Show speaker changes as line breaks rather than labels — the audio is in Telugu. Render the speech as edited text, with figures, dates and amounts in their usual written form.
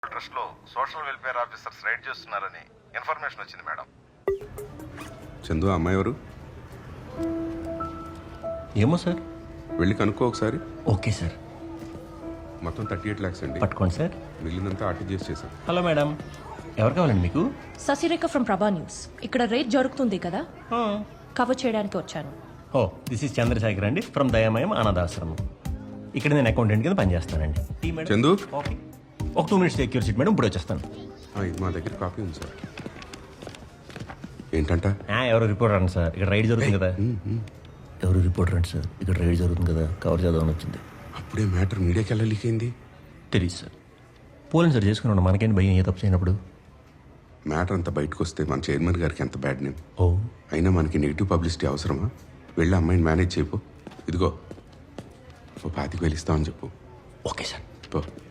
ట్రస్ట్ లో సోషల్ వెల్ఫేర్ ఆఫీసర్స్ రైడ్ చేస్తున్నారని ఇన్ఫర్మేషన్ వచ్చింది మేడం.
చందు ఆ అమ్మాయి ఎవరు?
ఏమో సార్.
వెళ్ళి కనుక్కో ఒకసారి.
Okay sir.
మొత్తం 38 lakhs అండి.
పట్టుకోండి సార్.
మిగిలినంతా ఆర్టీజీఎస్ చేశాం.
హలో మేడం, ఎవరు కావాలండి మీకు?
Sasirekha from Prabha news. ఇక్కడ రేట్ జరుగుతుంది కదా, కవర్ చేయడానికి వచ్చాను.
ఓ దిస్ ఇస్ చంద్రశేఖర్ అండి ఫ్రమ్ దయామయం అనాథాశ్రమం. ఇక్కడ నేను అకౌంటెంట్ కింద పనిచేస్తానండి. Tea madam?
చందు
ఓకే, ఒక 2 minutes సెక్యూర్ సీట్ మేడం, ఇప్పుడు వచ్చేస్తాను.
ఇది మా దగ్గర కాపీ ఉంది సార్. ఏంటంట?
ఎవరు రిపోర్టర్ అండి సార్, ఇక్కడ రైడ్ జరుగుతుంది కదా. ఎవరు రిపోర్టర్ అండి సార్, ఇక్కడ రైడ్ జరుగుతుంది కదా, కవర్ చేద్దామని వచ్చింది.
అప్పుడే మ్యాటర్ మీడియాకి ఎలా లీక్ అయింది?
తెలియదు సార్. పోలీసు సార్ చేసుకున్నాడు, మనకేంటి భయం ఏ తప్పు చేయనప్పుడు.
మ్యాటర్ అంతా బయటకు వస్తే మన చైర్మన్ గారికి ఎంత బ్యాడ్ నేమ్.
ఓ
అయినా మనకి నెగిటివ్ పబ్లిసిటీ అవసరమా? వెళ్ళి అమ్మాయిని మేనేజ్ చేయపో. ఇదిగో 25,000 ఇస్తామని చెప్పు.
Okay sir.
పో.